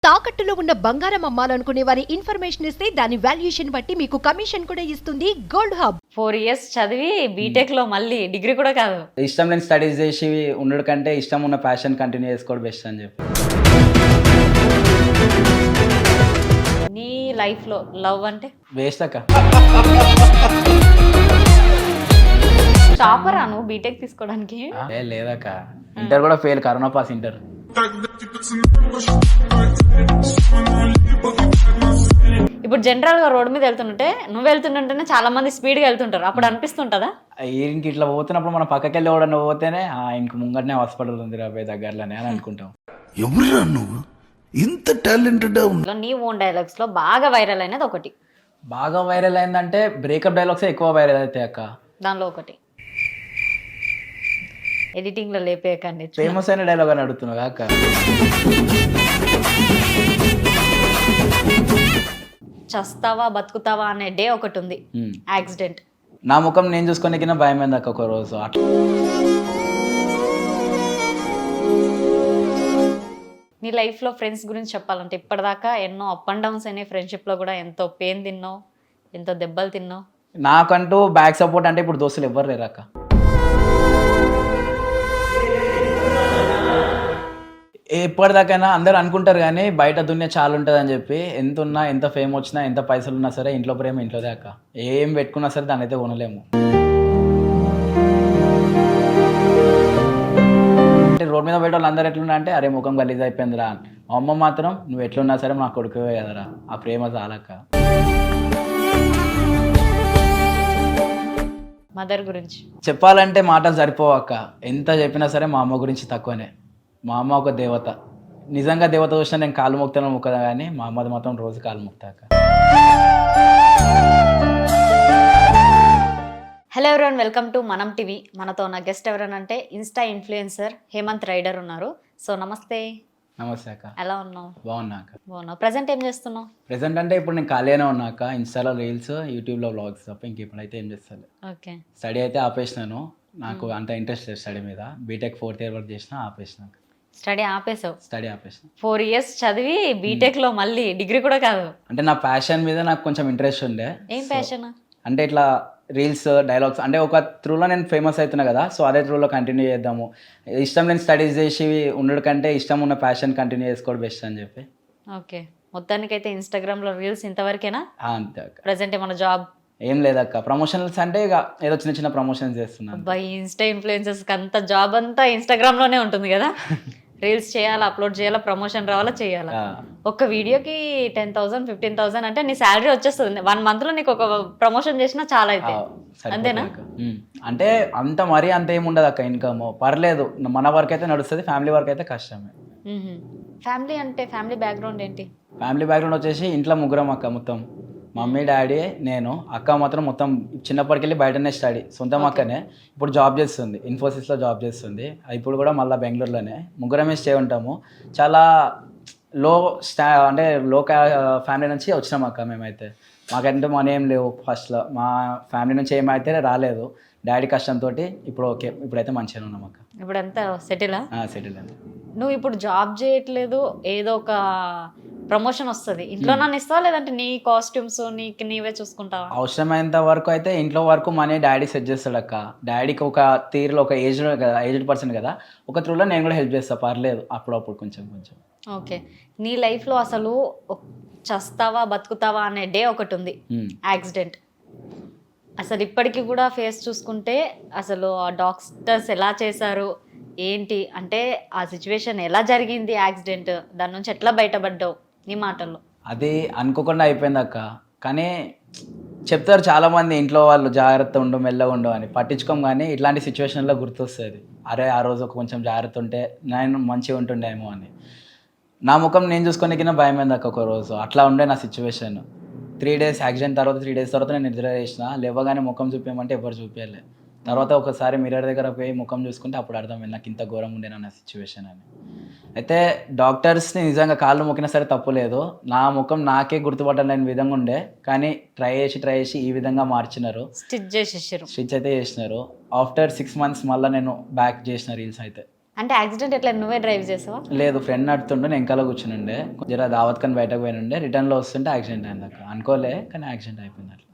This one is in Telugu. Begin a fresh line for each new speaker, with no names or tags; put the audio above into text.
తాకట్టులో ఉన్న బంగారం అమ్మాలనుకునే వారి ఇన్ఫర్మేషన్ ఇస్తే దాని వాల్యుయేషన్ బట్టి మీకు కమిషన్ కూడా ఇస్తుంది గోల్డ్ హబ్.
4 years చదివి బీటెక్ లో మళ్ళీ డిగ్రీ కూడా కాదు,
ఇష్టం లేని స్టడీస్ చేసి ఉండడం కంటే ఇష్టం ఉన్న ప్యాషన్ కంటిన్యూ చేసుకోవడం బెస్ట్ అని చెప్పి.
నీ లైఫ్ లో లవ్ అంటే
వేస్ట్ అక్క.
టాపరా నువ్వు బీటెక్ తీసుకోవడానికి?
లేదక్క, ఇంటర్ కూడా ఫెయిల్, కరోనా పాస్ ఇంటర్.
ఇప్పుడు జనరల్ గా రోడ్ మీద వెళ్తుంటే నువ్వు వెళ్తుంటేనే చాలా మంది స్పీడ్ గా వెళ్తుంటారు, అప్పుడు అనిపిస్తుంటదా?
ఇంక ఇట్లా పోతున్నప్పుడు మనం పక్కకి వెళ్ళి ఎవడన్నా పోతేనే ఇంక ముంగటనే హాస్పిటల్ ఉంది రాబోయే దగ్గరలోనే అని అనుకుంటాం.
ఎవరురా నువ్వు ఇంత టాలెంటెడ్?
నీ ఓన్ డైలాగ్స్ లో బాగా వైరల్ అయినది ఒకటి.
బాగా వైరల్ అయిందంటే బ్రేకప్ డైలాగ్స్ ఎక్కువ వైరల్ అవుతాయి అక్క.
దానిలో ఒకటి ఎడిటింగ్ లో లేపేయకండి,
ఫేమస్ అయిన డైలాగ్ అని అడుగుతున్నావు అక్క.
చస్తావా బతుకుతావా అనే డే ఒకటి ఉంది, యాక్సిడెంట్.
నా ముఖం నేను చూసుకునే భయం అయింది అక్క ఒక రోజు. అట్లా
నీ లైఫ్ లో ఫ్రెండ్స్ గురించి చెప్పాలంటే ఇప్పటిదాకా ఎన్నో అప్ అండ్ డౌన్స్ అయినాయి, ఫ్రెండ్షిప్ లో కూడా ఎంతో పెయిన్ తిన్నావు, ఎంతో దెబ్బలు తిన్నావు.
నాకంటూ బ్యాక్ సపోర్ట్ అంటే ఇప్పుడు దోస్తులు ఎవ్వరు లేరు అక్క. ఎప్పటిదాకైనా అందరూ అనుకుంటారు కానీ బయట దున్య చాలా ఉంటుంది అని చెప్పి, ఎంత ఉన్నా ఎంత ఫేమ్ వచ్చినా ఎంత పైసలు ఉన్నా సరే ఇంట్లో ప్రేమ ఇంట్లోదే అక్క. ఏం పెట్టుకున్నా సరే దాన్ని అయితే కొనలేము. అంటే రోడ్ మీద బయట వాళ్ళు అందరూ ఎట్లున్నా అంటే అరే ముఖం గలీజ్ అయిపోయిందిరా. మా అమ్మ మాత్రం నువ్వు ఎట్లున్నా సరే మా కొడుకువే కదరా, ఆ ప్రేమ చాలక్క.
మదర్ గురించి
చెప్పాలంటే మాటలు సరిపోవు అక్క. ఎంత చెప్పినా సరే మా అమ్మ గురించి తక్కువనే. మా అమ్మ ఒక దేవత, నిజంగా దేవత చూసినా నేను కాలు మొక్కుతాను మొక్కదా కానీ మా అమ్మది మాత్రం రోజు కాలు మొక్తాక.
హలో ఎవరైనా, వెల్కమ్ టు మనం టీవీ. మనతో ఉన్న గెస్ట్ ఎవరనంటే ఇన్స్టా ఇన్ఫ్లుయెన్సర్ హేమంత్ రైడర్ ఉన్నారు. సో నమస్తే.
నమస్తే అక్క.
ఎలా ఉన్నావు?
బాగున్నా అక్క.
బాగున్నావు. ప్రజెంట్ ఏం చేస్తున్నావు?
ప్రెసెంట్ అంటే ఇప్పుడు నేను ఖాళీగానే ఉన్నా అక్క. ఇన్స్టాలో రీల్స్, యూట్యూబ్లో వ్లాగ్స్ తప్ప ఇంకెప్పుడైతే ఏం చేస్తాను.
ఓకే.
స్టడీ అయితే ఆపేసినాను, నాకు అంత ఇంట్రెస్ట్ లేదు స్టడీ మీద. బీటెక్ 4th year వరకు చేసిన, ఆపేసినాక.
స్టడీ ఆపేసావు?
స్టడీ ఆపేసిన.
4 years చదివి బీటెక్ లో మళ్ళీ డిగ్రీ కూడా కాదు.
అంటే నా ప్యాషన్ మీద నాకు కొంచెం ఇంట్రెస్ట్ ఉండే.
ఏం ప్యాషన్?
అంటే ఇట్లా రీల్స్, డైలాగ్స్ అంటే ఒక త్రూలో నేను ఫేమస్ అవుతున్నా కదా, సో అదే త్రూలో కంటిన్యూ చేద్దాము. ఇష్టం లేని స్టడీస్ చేసి ఉండడం కంటే ఇష్టం ఉన్న ప్యాషన్ కంటిన్యూ చేసుకోవడం బెస్ట్ అని చెప్పి.
ఓకే. మొత్తానికైతే ఇన్స్టాగ్రామ్ లో రీల్స్ ఇంతవరకేనా?
అంతే అక్క.
ప్రజెంట్ ఏమన్నా జాబ్?
ఏం లేదక్క, ప్రమోషన్స్ అంటే ఇక ఏదో చిన్న చిన్న ప్రమోషన్స్ చేస్తున్నాను.
బై ఇన్స్టా ఇన్ఫ్లుయెన్సర్స్ అంతా జాబ్ అంతా ఇన్స్టాగ్రామ్ లోనే ఉంటుంది కదా. రీల్స్ చేయాలా, అప్లోడ్ చేయాలా, ప్రమోషన్ రావాలా, చేయాలా. ఒక్క వీడియోకి 10,000 15,000 అంటే నీ శాలరీ వచ్చేస్తుంది. 1 month లో నీకు ఒక ప్రమోషన్ చేసినా చాలా అయితే. అంతేనా?
అంటే అంత మరీ అంత ఏమి ఉండదు అక్క. ఇన్కమ్ పర్లేదు, మన వర్క్ అయితే నడుస్తుంది, ఫ్యామిలీ వర్క్ అయితే కష్టమే.
ఫ్యామిలీ అంటే ఫ్యామిలీ బ్యాక్గ్రౌండ్ ఏంటి?
ఫ్యామిలీ బ్యాక్గ్రౌండ్ వచ్చేసి ఇంట్లో ముగ్గురం అక్క. మొత్తం మమ్మీ, డాడీ, నేను, అక్క మాత్రం మొత్తం చిన్నప్పటికెళ్ళి బయటనే స్టడీ. సొంతం అక్కనే ఇప్పుడు జాబ్ చేస్తుంది, ఇన్ఫోసిస్లో జాబ్ చేస్తుంది. ఇప్పుడు కూడా మళ్ళీ బెంగళూరులోనే. ముగ్గురమే స్టే ఉంటాము. చాలా అంటే లో ఫ్యామిలీ నుంచి వచ్చినాం అక్క మేమైతే. మాకంటే మనీ ఏం లేవు ఫస్ట్లో, మా ఫ్యామిలీ నుంచి ఏమైతే రాలేదు. డాడీ కష్టంతో ఇప్పుడు ఓకే, ఇప్పుడైతే మంచిగానే ఉన్నాం అక్క.
ఇప్పుడు అంతా సెటిలా?
సెటిల్ అండి.
నువ్వు ఇప్పుడు జాబ్ చేయట్లేదు, ఏదో ఒక ప్రమోషన్ వస్తుంది, ఇంట్లో నన్ను ఇస్తావా లేదంటే నీ కాస్ట్యూమ్స్ నీవే చూసుకుంటావా?
అవసరమైనంత వరకు అయితే ఇంట్లో వరకు మనీ డాడీ సెట్ చేస్తాడు అక్క. డాడీకి ఒక తీరులో ఒక ఏజ్డ్ పర్సన్ కదా, ఒక త్రూలో నేను కూడా హెల్ప్ చేస్తా, పర్లేదు అప్పుడప్పుడు కొంచెం కొంచెం.
ఓకే. నీ లైఫ్లో అసలు చస్తావా బతుకుతావా అనే డే ఒకటి ఉంది, యాక్సిడెంట్. అసలు ఇప్పటికీ కూడా ఫేస్ చూసుకుంటే అసలు ఆ డాక్టర్స్ ఎలా చేశారు ఏంటి అంటే, ఆ సిచ్యువేషన్ ఎలా జరిగింది, యాక్సిడెంట్, దాని నుంచి ఎట్లా బయటపడ్డావు నీ మాటల్లో?
అది అనుకోకుండా అయిపోయింది అక్క. కానీ చెప్తారు చాలామంది ఇంట్లో వాళ్ళు, జాగ్రత్త ఉండు, మెల్లగా ఉండు అని. పట్టించుకోం కానీ ఇట్లాంటి సిచ్యువేషన్లో గుర్తొస్తుంది, అరే ఆ రోజు కొంచెం జాగ్రత్త ఉంటే నేను మంచిగా ఉంటుండేమో అని. నా ముఖం నేను చూసుకునే భయం అయింది అక్క ఒక రోజు. అట్లా ఉండే నా సిచ్యువేషన్. 3 days యాక్సిడెంట్ తర్వాత 3 days తర్వాత నేను నిద్ర చేసిన. లేవగానే ముఖం చూపించమంటే ఎవరు చూపించలే. తర్వాత ఒకసారి మిర్రర్ దగ్గర పోయి ముఖం చూసుకుంటే అప్పుడు అర్థమైంది నాకు ఇంత ఘోరం ఉండేనా నా సిచ్యువేషన్ అని. అయితే డాక్టర్స్ని నిజంగా కాళ్ళు మొక్కినా సరే తప్పులేదు. నా ముఖం నాకే గుర్తుపట్టలేని విధంగా ఉండే, కానీ ట్రై చేసి ఈ విధంగా మార్చినారు.
స్టిచ్ అయితే
చేసినారు. ఆఫ్టర్ 6 months మళ్ళీ నేను బ్యాక్ చేసిన రీల్స్ అయితే.
అంటే యాక్సిడెంట్ ఎట్లా నువ్వే డ్రైవ్ చేసావా?
లేదు, ఫ్రెండ్ నడుతుండే, నేను వెనకాల కూర్చుని ఉండే, జర దావత్ కానీ బయటకు పోయిన ఉండే, రిటర్న్లో వస్తుంటే యాక్సిడెంట్ అయింది అక్క. అనుకోలే కానీ యాక్సిడెంట్ అయిపోయింది అట్లా.